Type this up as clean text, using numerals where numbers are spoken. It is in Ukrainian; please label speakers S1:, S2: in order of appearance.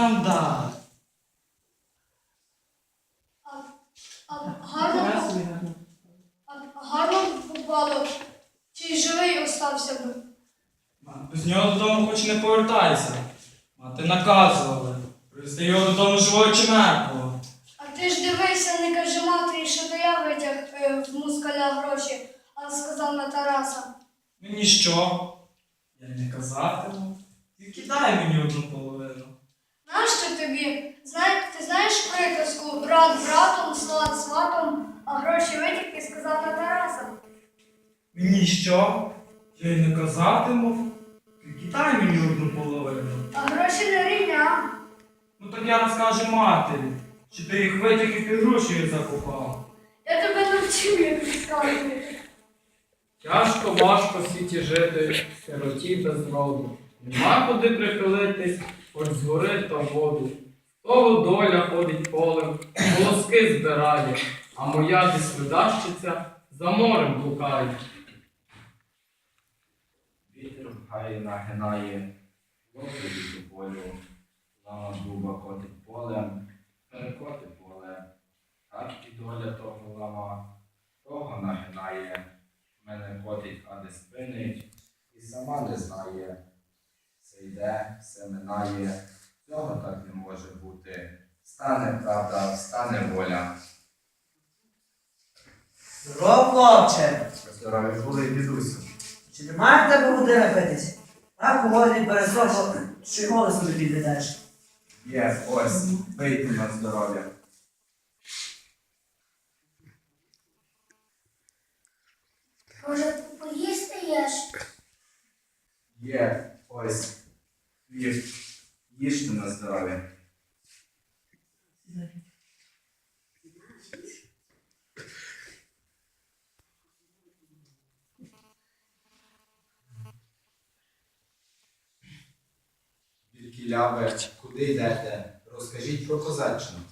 S1: Нам да.
S2: Гарно попало. Чи й живий остався би?
S1: З нього додому хоч не повертайся. Мати наказували. Привезти його додому живого чи мертвого.
S2: А ти ж дивися, не кажи матері, що то я витяг в мускаля гроші, а сказав на Тараса.
S1: Мені що? Я й не казатиму. Тільки дай мені одну половину.
S2: Нащо тобі? Ти знаєш приказку брат братом, сват сватом, а гроші витяг і сказав на Тараса?
S1: Мені що? Я й не казатиму. Тільки дай мені одну половину.
S2: А гроші не рівня.
S1: Ну так я розкажу матері, чи ти їх витяг і під гроші закопав.
S2: Я тебе навчив, як розказувати.
S3: Тяжко, важко в світі жити, сироті без роду. Нема куди прихилитись, хоч з гори та воду. Того доля ходить полем, волоски збирає, а моя десь видащиця за морем блукає.
S4: Вітер в гаї нагинає, лопить у полю, лама дуба котить полем, перекоти поле. Так і доля того лама, того нагинає, мене котить, а не спинить, і сама не знає. Все йде, все минає, цього так не може бути. Стане правда, стане воля.
S5: Здоров, хлопче!
S4: Здорові були, дідусю.
S5: Чи немає в тебе води напитись? Так голодний пересохло, що й голосу не підведеш.
S4: Є, ось, пийте на здоров'я.
S2: Може, поїсти єш?
S4: Є, ось, їжте на здоров'я. Звідкіля ви, куди йдете? Розкажіть про козаччину.